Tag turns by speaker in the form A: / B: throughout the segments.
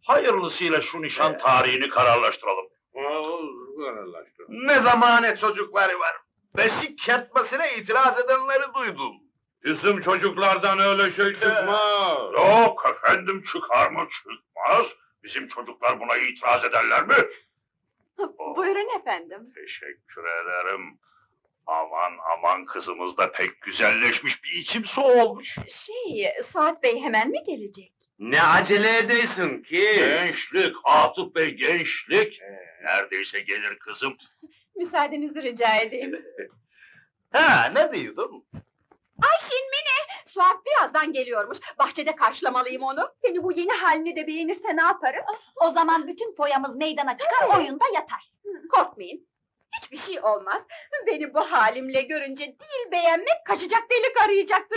A: Hayırlısıyla şu nişan tarihini kararlaştıralım.
B: Kararlaştır.
A: Ne zamane çocukları var. Beşik kertmesine itiraz edenleri duydum.
B: Bizim çocuklardan öyle şey çıkmaz.
A: Yok efendim, çıkar mı çıkmaz. Bizim çocuklar buna itiraz ederler mi?
C: Buyurun efendim.
A: Teşekkür ederim. Aman aman, kızımız da pek güzelleşmiş, bir içim su olmuş.
C: Suat Bey hemen mi gelecek?
B: Ne acele edeysin ki?
A: Gençlik Atıf Bey, gençlik. Neredeyse gelir kızım.
C: Müsaadenizi rica edeyim.
A: Ha, ne diyordun?
C: Ayşin Mine! Suat birazdan geliyormuş. Bahçede karşılamalıyım onu. Seni bu yeni halini de beğenirse ne yaparız? O zaman bütün foyamız meydana çıkar, oyunda yatar. Korkmayın. Hiçbir şey olmaz. Beni bu halimle görünce değil beğenmek, kaçacak delik arayacaktır.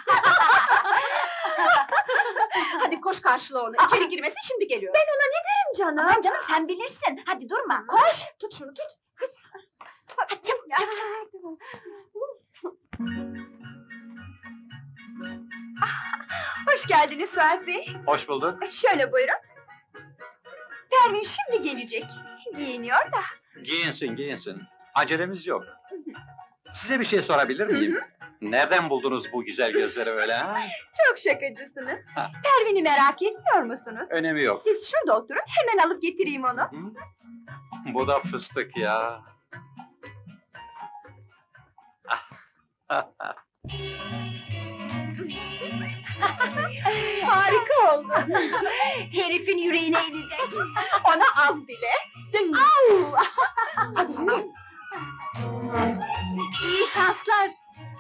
C: Hadi koş karşıla onu. İçeri girmesin, şimdi geliyor. Ben ona ne derim canım? Aman canım, sen bilirsin. Hadi durma, koş. Tut şunu, tut. Hadi çabuk, çabuk. Hoş geldiniz Suat Bey.
D: Hoş bulduk.
C: Şöyle buyurun. Pervin şimdi gelecek. Giyiniyor da.
D: Giyinsin, giyinsin. Acelemiz yok. Size bir şey sorabilir miyim? Nereden buldunuz bu güzel gözleri öyle ha?
C: Çok şakacısınız.
D: Ha.
C: Pervin'i merak etmiyor musunuz?
D: Önemi yok.
C: Siz şurada oturun, hemen alıp getireyim onu.
D: Hı? Bu da fıstık ya.
C: Harika oldu. Herifin yüreğine inecek. Ona az bile. Au! Hadi yürü. İyi şanslar.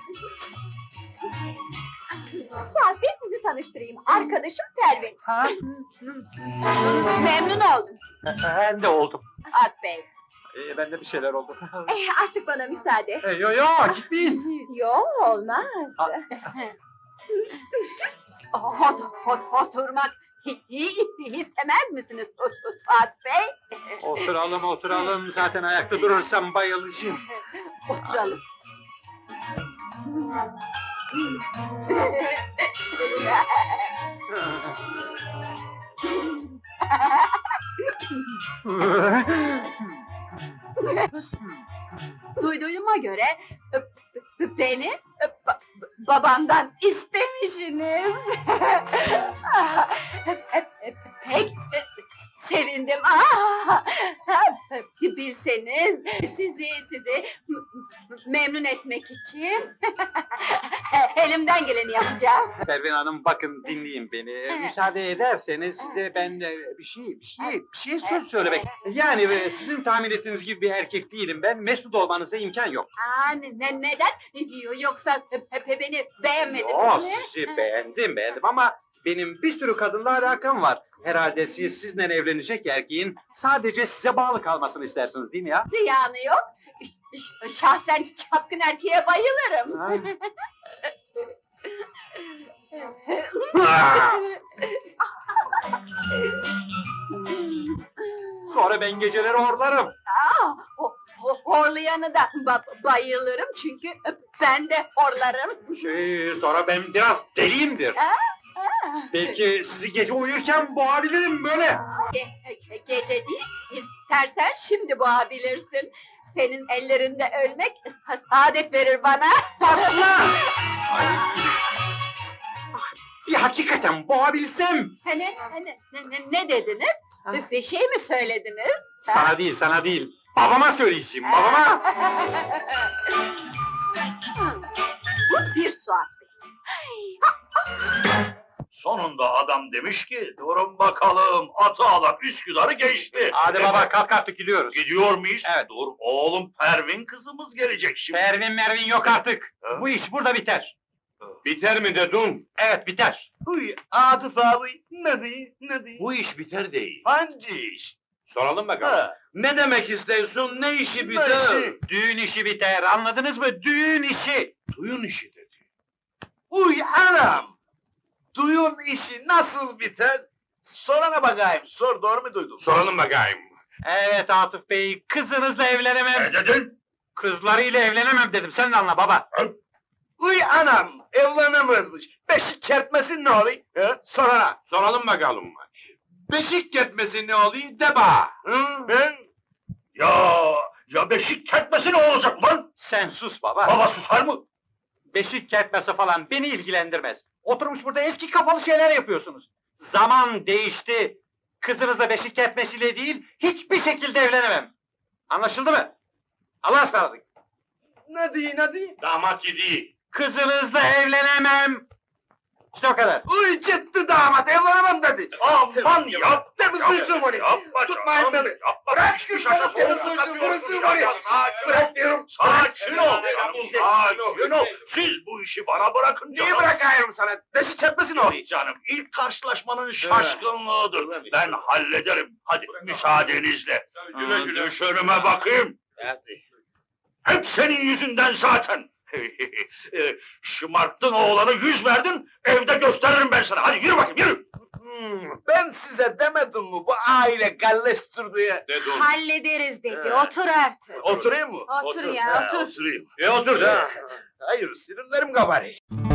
C: Suat Bey, sizi tanıştırayım. Arkadaşım Pervin.
D: Ha?
C: Memnun oldum.
D: Ben de oldum.
C: Suat Bey.
D: Bende bir şeyler oldu.
C: Artık bana müsaade.
D: Yo yo, gitmeyin.
C: Yok, olmaz. Oturmak istemez misiniz Suat Bey?
D: Oturalım, oturalım. Zaten ayakta durursam bayılacağım.
C: Oturalım. Duyduğuma göre beni babamdan istemişsiniz. Pek sevindim. Bilseniz sizi memnun etmek için elimden geleni yapacağım.
D: Pervin Hanım, bakın dinleyin beni. Müsaade ederseniz size ben bir şey söz söylemek. Yani sizin tahmin ettiğiniz gibi bir erkek değilim ben. Mesut olmanıza imkan yok.
C: Neden? Yoksa beni beğenmediniz
D: Yok,
C: mi?
D: sizi beğendim ama benim bir sürü kadınla alakam var. Herhalde siz sizinle evlenecek erkeğin sadece size bağlı kalmasını istersiniz değil mi ya?
C: Ziyanı yok. Şahsen çapkın erkeğe bayılırım.
D: Sonra ben geceleri horlarım.
C: Horlayanı da bayılırım çünkü ben de horlarım.
D: Sonra ben biraz deliyimdir. Belki sizi gece uyurken boğabilirim böyle.
C: Gece değil, istersen şimdi boğabilirsin. Senin ellerinde ölmek saadet verir bana.
D: Bir hakikaten boğabilsem.
C: Ne dediniz? Bir şey mi söylediniz?
D: Sana değil. Babama söyleyeceğim, babama.
C: Bu bir Suat Bey.
A: Sonunda adam demiş ki, durun bakalım, atı alan Üsküdar'ı geçti.
D: Hadi baba, kalk artık gidiyoruz.
A: Gidiyor muyuz?
D: Evet.
A: Dur oğlum, Pervin kızımız gelecek şimdi.
D: Mervin yok artık.
A: Ha?
D: Bu iş burada biter.
B: Biter mi dedin?
D: Evet, biter.
A: Uy, Atıf abi, ne diyor?
B: Bu iş biter değil.
A: Hangi iş?
B: Soralım bakalım.
A: Ha,
B: Ne demek istiyorsun? Ne işi
A: ne
B: biter?
A: işi?
D: Düğün işi biter, anladınız mı? Düğün işi.
B: Düğün işi dedi.
A: Uy anam! Duyun işi nasıl biter? Sorana bakayım, sor, doğru mu duydun?
B: Soralım bakayım.
D: Evet Atıf Bey, kızınızla evlenemem.
A: Ne dedin?
D: Kızlarıyla evlenemem dedim, sen de anla baba.
A: Uy anam, evlenemezmiş. Beşik kertmesin ne oluyor? Sorana.
B: Soralım bakalım.
A: Beşik ketmesi ne oluyor de bana. Hı?
E: Ben? Ya beşik kertmesi ne olacak lan?
D: Sen sus baba.
E: Baba susar mı?
D: Beşik kertmesi falan beni ilgilendirmez. Oturmuş burada eski kafalı şeyler yapıyorsunuz. Zaman değişti. Kızınızla beşik kertmesiyle değil, hiçbir şekilde evlenemem. Anlaşıldı mı? Allah'a ısmarladık.
A: Ne diyor ne diyor?
E: Damat yedi.
D: Kızınızla evlenemem. İşte o kadar.
A: Uy ciddi damat evlenemem dedi.
E: Aman yap.
A: Temiz duysun onu.
E: Yapma
A: Tutmayın
E: canım,
A: beni.
E: yapma.
A: Bırak
E: Bir
A: şu
E: şaka
A: beni, temiz
E: soğuk
A: duysun,
E: yapıyorsun
A: vursun
E: ya.
A: oraya. Bırak diyorum.
E: Sakin ol.
A: Sakin ol.
E: Siz bu işi bana bırakın
A: Niye
E: canım.
A: bırakıyorum sana? Beşik ketmesi ne oluyor?
E: Canım ilk karşılaşmanın şaşkınlığıdır. Ben hallederim. Hadi müsaadenizle.
B: Güle güle.
E: Düşürüme bakayım. Hep senin yüzünden zaten. Şımarttın oğlanı, yüz verdin. Evde gösteririm ben sana. Hadi yürü bakayım yürü.
A: Ben size demedim mi bu aile gallestir diye?
B: Dedin.
C: Hallederiz dedi.
A: He.
C: Otur artık.
A: Oturayım mı?
C: Otur ya, otur.
E: Oturayım.
B: Otur da.
A: Hayır, sinirlerim kabarıyor.